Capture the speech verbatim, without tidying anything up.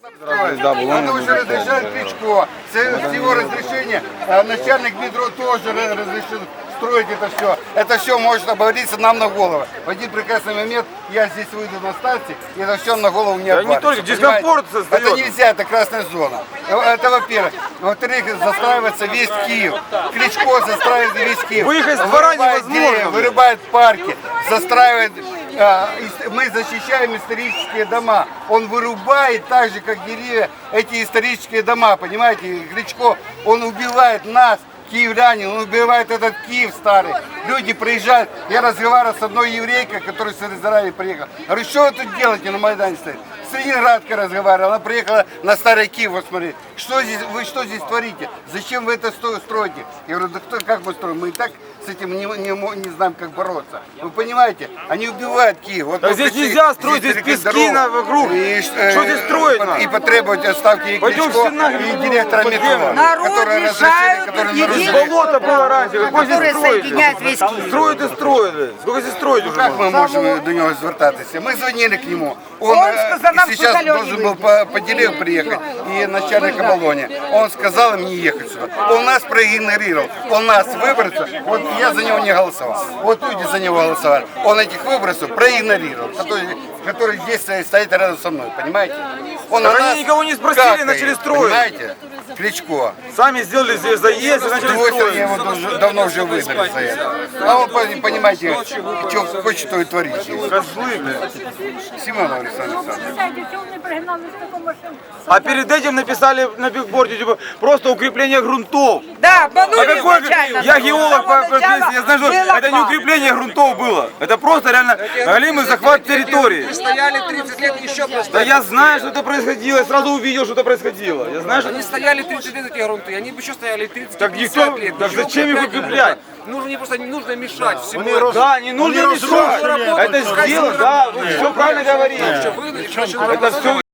Это уже разрешает Кличко. С его разрешения начальник метро тоже разрешил строить это все. Это все может обвалиться нам на голову. В один прекрасный момент я здесь выйду на станции, и это все на голову мне обвалится. Не только дискомфорт создает. Это нельзя, это красная зона. Это во-первых. Во-вторых, застраивается весь Киев. Кличко застраивает весь Киев. Выехать с двора невозможно. Деревья, вырубает парки, застраивает. Мы защищаем исторические дома. Он вырубает так же, как деревья, эти исторические дома, понимаете? Кличко, он убивает нас, киевлянин, он убивает этот Киев старый. Люди приезжают, я разговаривал с одной еврейкой, которая с Израиля приехала. Говорю, что вы тут делаете на Майдане стоит? С Ленинградкой разговаривала, она приехала на старый Киев, вот смотри. Что здесь, вы что здесь творите? Зачем вы это строите? Я говорю, да кто, как мы строим? Мы и так с этим не, не, не знаем, как бороться. Вы понимаете? Они убивают Киев. Вот а здесь нельзя строить, здесь пески на вокруг. И, что здесь строить? И, и потребовать отставки и Кличко, и директора метро, которые разрешили, которые нарушили. Болото было раньше, какой здесь соединяет весь Киев. Строят и строят. Сколько здесь строить уже? Как мы можем до него звертаться? Мы звонили к нему. Он, Он сказал, нам сейчас должен был по, по дереву приехать и начальник оболони. Он сказал им не ехать сюда. Он нас проигнорировал. Он нас выбросил. Вот я за него не голосовал. Вот люди за него голосовали. Он этих выбросов проигнорировал, которые, которые здесь стоят рядом со мной. Понимаете? Он Так на они никого не спросили, начали строить. Понимаете? Кличко. Сами сделали здесь заезд и начали строить. Я его давно, давно уже выбрали за это. А он, понимаете, что хочет, то и творит. Козлы, блядь. Симонов Александр Александрович. А перед этим написали на бигборде, типа, просто укрепление грунтов. Да, обманули А какой... изначально. Я геолог по профессии, я знаю, что это не укрепление грунтов было. Это просто реально голимый захват территории. Стояли тридцать лет еще просто. Да я знаю, что это происходило, я сразу увидел, что это происходило. Я знаю, что... Они стояли тридцать лет, эти грунты, они бы еще стояли тридцать Так никто... пятьдесят лет. Так Еще зачем их укреплять укреплять? Нужно, не просто не нужно мешать всему. Да, не нужно мешать. Это сделано, да, вы все правильно говорите. Вы, Это все